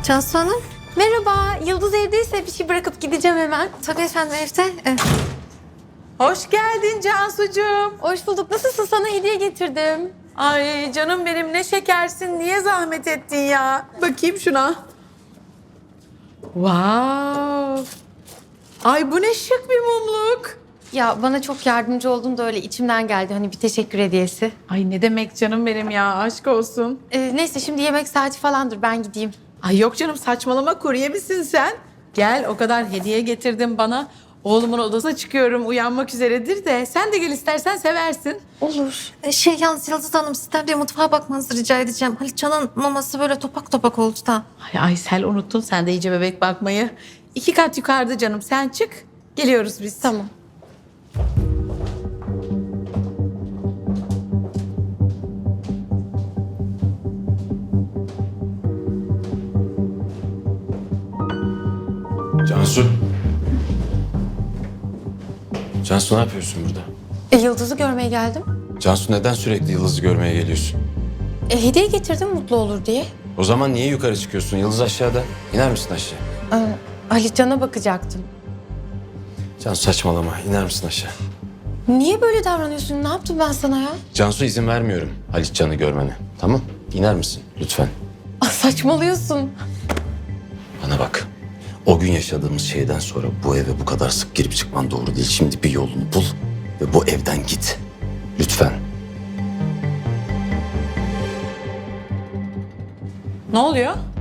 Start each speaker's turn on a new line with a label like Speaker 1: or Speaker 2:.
Speaker 1: Cansu Hanım. Merhaba. Yıldız evdeyse bir şey bırakıp gideceğim hemen. Tabii efendim evde.
Speaker 2: Hoş geldin Cansucuğum.
Speaker 1: Hoş bulduk. Nasılsın? Sana hediye getirdim.
Speaker 2: Ay canım benim ne şekersin. Niye zahmet ettin ya? Bakayım şuna. Wow. Ay bu ne şık bir mumluk.
Speaker 1: Ya bana çok yardımcı oldun da öyle içimden geldi. Hani bir teşekkür hediyesi.
Speaker 2: Ay ne demek canım benim ya, aşk olsun.
Speaker 1: Neyse şimdi yemek saati falandır. Ben gideyim.
Speaker 2: Ay yok canım, saçmalama, kurye misin sen? Gel, o kadar hediye getirdim bana. Oğlumun odasına çıkıyorum, uyanmak üzeredir de. Sen de gel istersen, seversin.
Speaker 1: Olur. Yalnız Yıldız Hanım sizden bir mutfağa bakmanızı rica edeceğim. Halitcan'ın maması böyle topak topak oldu da.
Speaker 2: Ay Aysel, unuttun sen de iyice bebek bakmayı. 2 kat yukarıda canım, sen çık. Geliyoruz biz.
Speaker 1: Tamam.
Speaker 3: Cansu. Cansu ne yapıyorsun burada?
Speaker 1: Yıldız'ı görmeye geldim.
Speaker 3: Cansu neden sürekli Yıldız'ı görmeye geliyorsun?
Speaker 1: Hediye getirdim mutlu olur diye.
Speaker 3: O zaman niye yukarı çıkıyorsun? Yıldız aşağıda. İner misin aşağı?
Speaker 1: Halitcan'a bakacaktım.
Speaker 3: Cansu saçmalama. İner misin aşağı?
Speaker 1: Niye böyle davranıyorsun? Ne yaptım ben sana ya?
Speaker 3: Cansu izin vermiyorum Halitcan'ı görmene. Tamam? İner misin? Lütfen.
Speaker 1: Saçmalıyorsun.
Speaker 3: Bana bak. O gün yaşadığımız şeyden sonra bu eve bu kadar sık girip çıkman doğru değil. Şimdi bir yolunu bul ve bu evden git. Lütfen.
Speaker 2: Ne oluyor?